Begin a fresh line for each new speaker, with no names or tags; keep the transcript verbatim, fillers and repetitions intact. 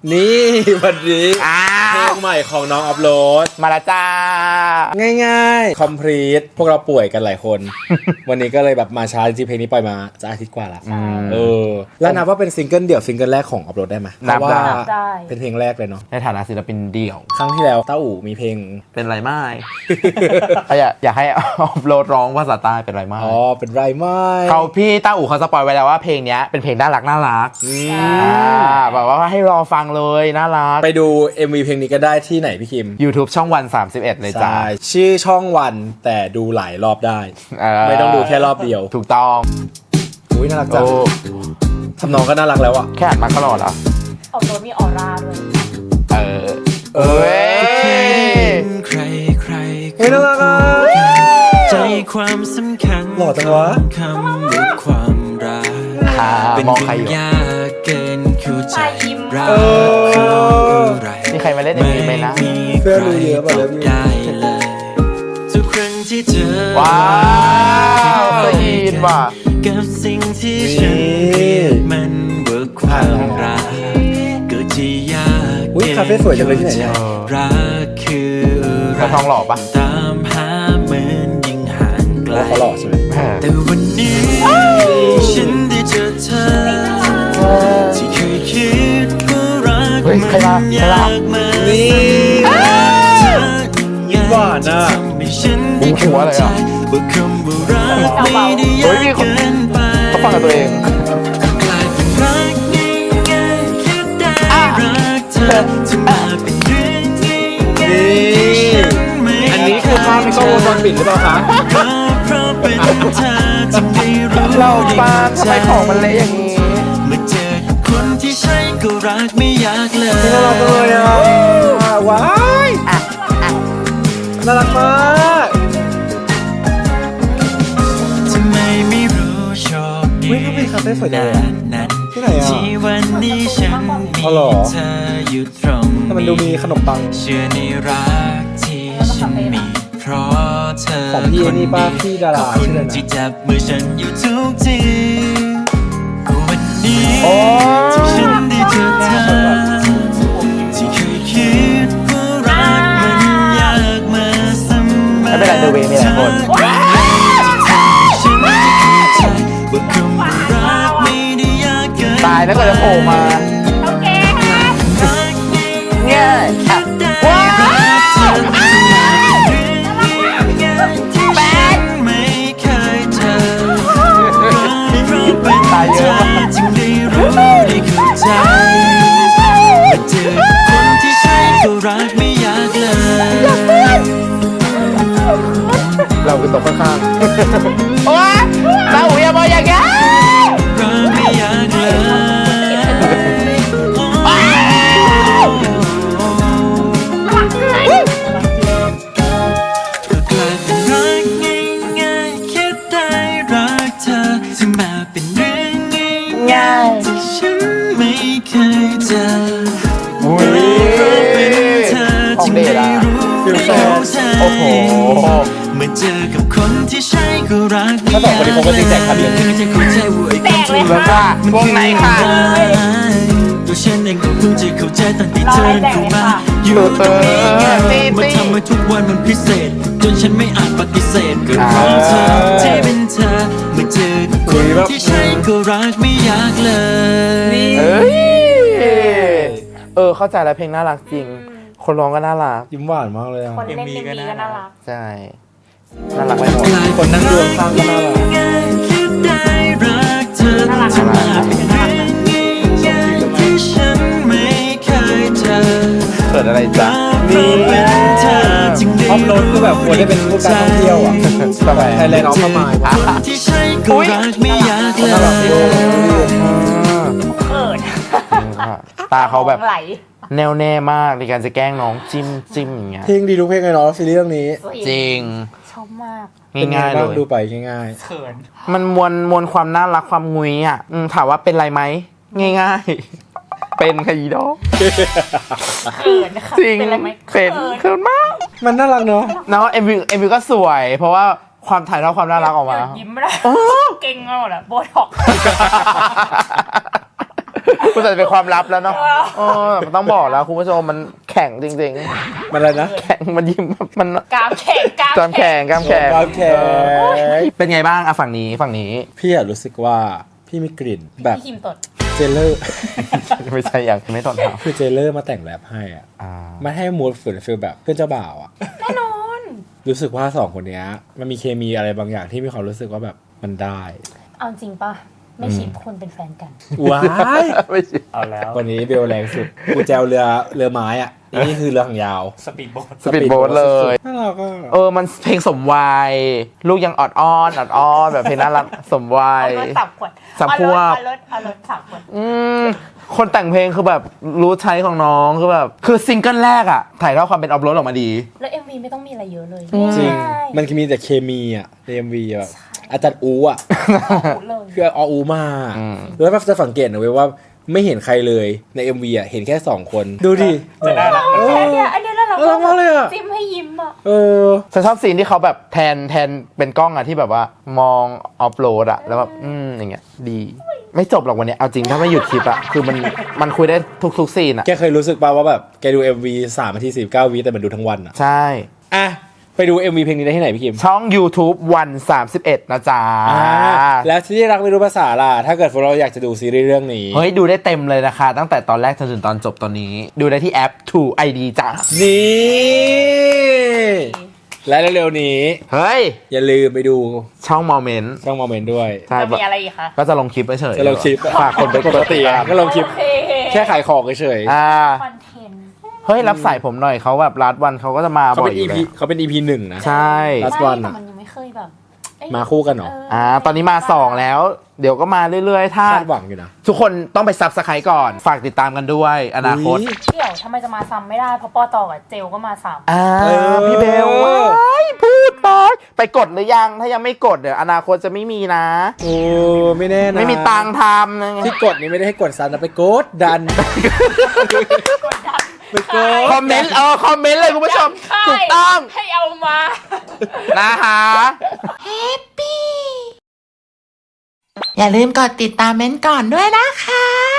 นี่วันนี้เพลงใหม่ของน้องอัพโหลด
มาละจ้า
ง่ายๆ complete พวกเราป่วยกันหลายคน วันนี้ก็เลยแบบมาช้าจริงๆเพลงนี้ปล่อยมาจะอาทิตย์กว่าละเออแล้วนับว่าเป็นซิงเกิลเดี่ยวซิงเกิลแรกของอัพโหลดได้ไหมเพราะว่าเป็นเพลงแรกเลยเนาะ
ในฐานะศิลปินเดี่ยว
ครั้งที่แล้วเต้าอู่มีเพลง
เป็นไรไม่อยากอยากให้อัพโหลดร้องภาษาใต้เป็นไรไม่
อ๋อเป็นไรไม่
เขาพี่เต้าอู่เขาสปอยไว้แล้วว่าเพลงนี้เป็นเพลงน่ารักน่ารักแบบว่าให้รอฟังเลยน่ารัก
ไปดู เอ็ม วี เพลงนี้ก็ได้ที่ไหนพี่คิม
YouTube ช่องวันสามสิบเอ็ดเลยจ้า
ชื่อช่องวันแต่ดูหลายรอบได้ไม่ต้องดูแค่รอบเดียว
ถูกต้อง
อุ้ยน่ารักจังทำนองก็น่ารักแล้วอะ
แค่อ่านมาก็หล่อแล้ว
ออกตัวมีออร่าด้วย
เออเอ้ย
ใครใคร
เฮ้ยน่ารักอะ
ใจความสำคัญ
หล่อจังวะ
คำว่าความรัก
เป็นใครอยู่
ยากเกินเข้าใจรัก
มีใครมาเล่นอย่างนี้ไหมนะ
เพื่อนรู้เยอะแบบ
ได้เลยทุกครั้งที่เจอ
ว้าวได้ยินว่ะ
กับสิ่งที่ฉันเรียกมันว่าความรักก็จะยาก
อุ้ยคาเฟ่สวยจังเลยที่ไหนเนี่ย
รักคือ
อะไรทองหล่อปะ
ตามหาเหมือนยิ่งห่างไกล
เขาหล่อใช่ไหม
แต่วันนี้ฉันได้เจอเธอที่เคยคิดว่ารักมันยากมา
นี่ยิ้มหวานอ่ะ
บุ้งหัวอะไรอ่ะเฮ้ยมีคนเขาฟังกับตัวเอง
อันนี้คือภาพในกล้องวงจรปิดหรือเปล่าคะ
เราป้าทำไมของมันเละอย่างนี้
เมื่อเจอคนที่ใช่ก็รักไม่อยากเลย
น่ารักเลยอ่ะว้ายน่ารักมาก
ทำไมไม่รู้โชคดี
น
นั้น
ที่ไหนอ่ะ
ที่วันนี้ฉันมีเธออยู่ตรงนี้
แต่มันดูมีขนมปัง
เชื่อในรักที่ฉันมีเพราะเธอ
ของพี่นี่ป้าพี่ดารา
ชื่ออะไรนะที่จับมือฉันอยู่ทุกทีวันนี้ที่ฉันได้เจอเธอที่เคยคิดว่ารักมันยากมาเสมอ
ไม่เป็นไรเดอะเวย์มีหลายคนตายแล้วก็จะโผล่มา
โอเคครับ
เนี่ยว้าว
แป๊ดไม่เคยเจอ
ตายเยอะมาก
จึงได้รู้ได้เข้าใจมาเจอคนที่ใช่ก็รักไม่อยากเลย
เราคือตกข้างๆโอ๊ยเราหูยาบอยอย่างเงี้ย
รักไม่อยากเลยก็กลายเป็นรักง่ายๆแค่ได้รักเธอซึ่งมาเป็นเรื่องง่ายๆที่ฉันไม่เคยเจอเป็นเธอจึงได้รู้ได้เข้าใจ
โอ้โห
เมื่อเจอกับคนที่ใช่ก็รัก
ถ้าสองคนนี้คงก็จริงใจครับ
เพื่อจะเข้าใจว่าไอ้ความที่รักมันคืออะไรตัวฉันเองก็เพิ่งจะเข้าใจตอนที่เธอเข้ามาอยู่ตรงนี้มันทำให้ทุกวันมันพิเศษจนฉันไม่อาจปฏิเสธกับของเธอที่เป็นเธอเมื่อเจอกับคนที่ใช่ก็รักไม่อยากเลย
เอ้ยเออเข้าใจแล้วเพลงน่ารักจริงคนร้องก็น่ารัก
ยิ้มหวานมากเลยอ่ะ
คนเล่นเอ็มวีก็น่ารัก
ใช่น่ารักไปหมด
คนนั่งดูข้างก็น่ารัก
น่ารักน่ารักน่ารัก
เกิดอะไรจ๊ะ
นี่ออฟโรดคือแบบควรได้เป็นผู้การท่องเที่ยวอ่ะแบบไทยแลนด์ออฟเข้ามา
อุ้ย
น่ารักเลย
เขิน
ตาเขาแบบแน่วแน่มากในการจะแกล้งน้องจิ้มจิ้มอย่างเงี้ย
เพลงดีทุกเพลงเลยเนาะซีรีส์เรื่องนี้
จริง
ชอบมาก
ง่ายๆเลย
ดูไปง่าย
ๆเขิน
มันมวลมวลความน่ารักความงุยอ่ะถามว่าเป็นไรไหมง่ายๆเป็นขยี้ดอก
เขินค่ะ
จริงเป็นเขินมาก
มันน่ารักเนาะ
เนาะเอ็มวีเอ็มวีก็สวยเพราะว่าความถ่ายทอดความน่ารักออกมา
ยิ้มไม่ได้เก่งมากเลยโบท็อก
คุณจะเป็นความลับแล้วเนาะเออมันต้องบอกแล้วคุณผู้ชมมันแข็งจริง
มันอะไรนะ
ๆ แข็งมันยิ้มมัน
กรามแข็งกราม
กล้ามแข็งกล้ามแข็ง
กล้ามแข็ง
เออเป็นไงบ้างอะฝั่งนี้ฝั่งนี้
พี่อะรู้สึกว่าพี่มีกลิ่นแบบ
พี่คิมตด
เจเลอร์
ไม่ใช่อย่างไม่ตอนเท้า
คือเจเลอร์มาแต่งแรปให้อ่ะ
อ่า
มันให้มูดฝืนฟีลแบบเพื่อนเจ้าบ่าวอ่ะ
แน่นอน
รู้สึกว่าสองคนเนี้ยมันมีเคมีอะไรบางอย่างที่มีความรู้สึกว่าแบบมันได้
เอาจริงป่ะ ไม่ชิปคนเป็นแฟนกัน
ว้าย
ไม่ใช่
เอาแล้ว
วันนี้เบลแรงสุดกูแจวเรือเรือไม้อ่ะนี่คือเรือหางยาว
สปีดโบ๊ท
สปีดโบ๊ทเลย
น่ารักอ่ะ
เออมันเพลงสมวัยลูกยังออดอ้อนออดอ้อนแบบเพลงน่ารักสมวัย
เอารถสับขวด
สับขวด
เอารถเอารถสับขวด
อืมคนแต่งเพลงคือแบบรู้ใช้ของน้องคือแบบคือซิงเกิลแรกอะถ่ายทอดความเป็นออฟโรดออกมาดี
แล้ว เอ็ม วี ไม่ต้องมีอะไรเยอะเลย
จริง
ง่าย
มันมีแต่เคมีอ่ะในเอ็มวีแบบอาจารย์อูอ่ะ
พูดเลย
คือเอาอูมา
อืม
แล้วแบบจะสังเกตนะเว้ยว่าไม่เห็นใครเลยใน เอ็ม วี อ่ะเห็นแค่สองคนดูดิ
จะน่ารัก
เออ
อันเนี้ยอันเนี้ยน่ารัก
น่ารักมากเลยอะ
จิ้มให้ยิ้มอ่ะ
เออ
ฉันชอบซีนที่เขาแบบแทนแทนเป็นกล้องอะที่แบบว่ามองออฟโรดอะแล้วแบบอืมอย่างเงี้ยดี ไม่จบหรอกวันเนี้ยเอาจริงถ้าไม่หยุดคลิปอะคือมันมันคุยได้ทุกๆซีนอะ
แกเคยรู้สึกป่าวว่าแบบแกดู เอ็ม วี สามนาทีสี่สิบเก้าวิแต่มันดูทั้งวันอ่ะ
ใช่
อ่ะไปดู เอ็ม วี เพลงนี้ได้ที่ไหนพี่คิม
ช่อง YouTube วันสามสิบเอ็ดนะจ๊ะ
อ่าแล้วที่รักไม่รู้ภาษาล่ะ ถ้าเกิดพวกเราอยากจะดูซีรีส์เรื่องนี้
เฮ้ย ดูได้เต็มเลยนะคะ ตั้งแต่ตอนแรกจนถึงตอนจบตอนนี้ ดูได้ที่แอป ทู ไอ ดี จ้ะ
นี่ และเร็วๆนี้
เฮ้ย
อย่าลืมไปดู
ช่องโมเมนต์
ช่องโมเมนต์ด้วย
ใช่
จะมีอะไรอีกคะ
ก็จะลงคลิปไปเฉย
จะลงคลิป
ฝากคนไป
ปกติอ่ะก็ลงคลิป
โอเค
แค่ขายของเฉย
อ่า
คอนเทนต์
เฮ้ย รับสายผมหน่อยเขาแบบรัดวันเขาก็จะมา
ๆเขา
บ่อ
เป็
ย
น
อยู่
EP
แล้ว
เขาเป็น อี พี หนึ่งนะ
ใช่
Last
ไม่
one
แต่
อะ
มันยังไม่เคยแบบเอ้ย
มาคู่กันเหรอ
อ่า ตอนนี้มาสองแล้ว เดี๋ยวก็มาเรื่อยๆ ถ้า
คาดหวังอยู่นะ
ทุกคนต้องไปซับสไครต์ก่อน ฝากติดตามกันด้วย อนาคต
อุ๊ย
เดี๋ยวทำไมจะมาซ้ำไม่ได้ เพราะปอตอกับเจลก็มาซ้ำ
อ่า
เออ
พี่เบลว้ายพูดไปไปกดหรือยัง ถ้ายังไม่กดเดี๋ยวอนาคตจะไม่มีนะ
โอ้ไม่แน่นะ
ไม่มีตังค์ทำนะ
ที่กดนี่ไม่ได้ให้กดซันนะไปกดดัน
กดดัน
ไปกด
คอมเมนต์เออคอมเมนต์เลยคุณผู้ชม ถูกต้อง
ให้เอามา
นะคะ
อย่าลืมกดติดตามเม้นท์ก่อนด้วยนะคะ